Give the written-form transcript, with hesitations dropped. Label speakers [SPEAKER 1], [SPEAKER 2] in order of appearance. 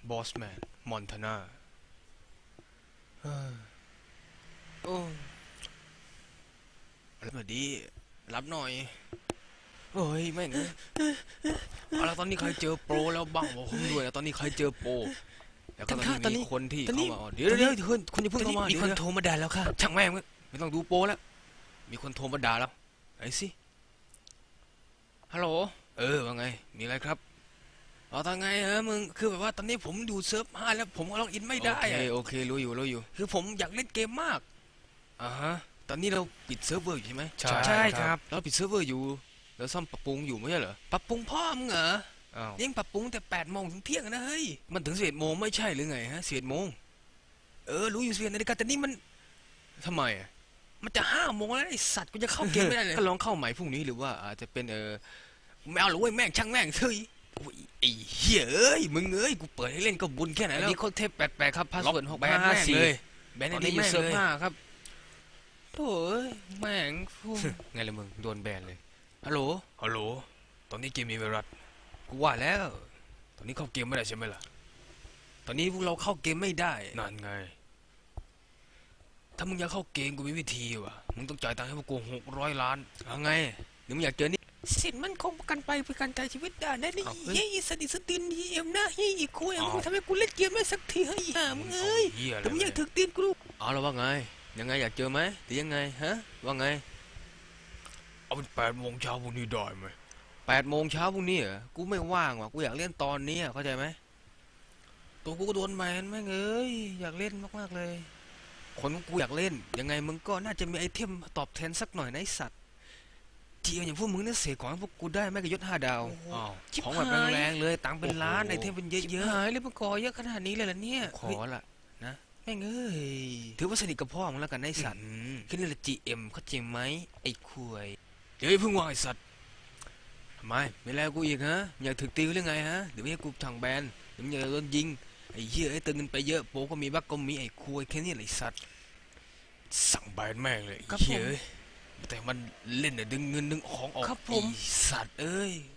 [SPEAKER 1] บอสแมนมอนทาน่าโอ้สวัสดีรับหน่อยเฮ้ยแม่งเอาละตอนนี้ใครเจอโปรแล้วบ้างบอกผมด้วยนะตอนนี้ใครเจอโปรแล้วก็ตอนนี้มีคนที่เข้ามาเดี๋ยวคุณอย่าเพิ่งเข้ามา
[SPEAKER 2] มีคนโทรมาด่าแล้วค่ะ
[SPEAKER 1] ช่างแม่งไม่ต้องดูโปรแล้วมีคนโทรมาด่าแล้วไอ้สิฮัลโหลว่าไงมีอะไรครับเอาทางไงมึงคือแบบว่าตอนนี้ผมอยู่เซิร์ฟ5แล้วผมล็อกอินไม่ได้โอเครู้อยู่คือผมอยากเล่นเกมมากฮะตอนนี้เราปิดเซิร์ฟเวอร์อยู่ใช่ไหม
[SPEAKER 2] ใช่ครับ
[SPEAKER 1] เราปิดเซิร์ฟเวอร์อยู่แล้วซ่อมปรับปรุงอยู่ไม่ใช่เหรอปรับปรุงพ่อมึงเหรอยังปรับปรุงแต่8 โมงถึงเที่ยงนะเฮ้ยมันถึง11 โมงไม่ใช่หรือไงฮะ11 โมงรู้อยู่11 นาฬิกาแต่นี่มันทำไมมันจะ5 โมงแล้วไอสัตว์กูจะเข้าเกมไม่ได้เลยก็ลองเข้าใหม่พรุ่งนี้หรือว่าอาจจะเป็นไม่เอาหรือว่าแม่งช่างแม่งเฮ้ยไอ้เหี้ยมึงกูเปิดให้เล่นก็บุญแค่ไหนแล้วนี่โคตรเทพ88ครับพาสเวิร์ด6554แบนได้อยู่เซิร์ฟ5ครับโถ่แม่งไงล่ะมึงโดนแบนเลยฮัลโหลตอนนี้เกมมีไวรัสกูว่าแล้วตอนนี้เข้าเกมไม่ได้ใช่ไหมล่ะตอนนี้พวกเราเข้าเกมไม่ได้นั่นไงถ้ามึงอยากเข้าเกมกูมีวิธีว่ะมึงต้องจ่ายตังค์ให้พวกกู600 ล้านเอาไงหรือมึงอยากเจอนี่
[SPEAKER 2] สิทธิ์มันคงประกันไปเพื่อการจ่ายชีวิตได้นะนี่เฮ้ยสติสตินเยี่ยมนะเฮ้ยอีกคุยมึงทำให้กูเล่นเกมได้สักทีเฮ้ยมึงแต่มึงอยากถึกตีนกู
[SPEAKER 1] เอาแล้วว่าไงยังไงอยากเจอไหมหรือยังไงฮะว่าไงเอาเป็น8 โมงเช้าพรุ่งนี้ได้ไหม8 โมงเช้าพรุ่งนี้เหรอกูไม่ว่างว่ะกูอยากเล่นตอนนี้เข้าใจไหมตัวกูก็โดนแบนแม่งอยากเล่นมากๆเลยคนกูอยากเล่นยังไงมึงก็น่าจะมีไอเทมตอบแทนสักหน่อยนะไอสัตว์จีอย่างพวกมึงเนี่ยเสียของให้พวกกูได้แม่กยศ5 ดาวของแบบแรงๆเลยตังเป็นล้านไอเทมเป็นเยอะ
[SPEAKER 2] ๆหายเลยมันก่อเยอะขนาดนี้เลยล่ะเนี่ย
[SPEAKER 1] ขอละนะแม่งถือว่าสนิทกับพ่อมึงแล้วกันไอสัตว์แค่นี้แหละ GM เข้าใจไหมไอ้คุยเดี๋ยวเพิ่งว่าไอสัตว์ทำไมไม่แล้วกูอีกฮะอยากถึกตีหรือไงฮะเดี๋ยวให้กูทางแบนเดี๋ยวอยากโดนยิงไอ้เหี้ยไอ้ตึงเงินไปเยอะโปก็มีบักก็มีไอ้คุยแค่นี้แหละไอสัตว์สั่งแบนแม่งเลยไอ้เหี้ยแต่มันเล่นดึงเงินดึงของออกไอ้สัตว์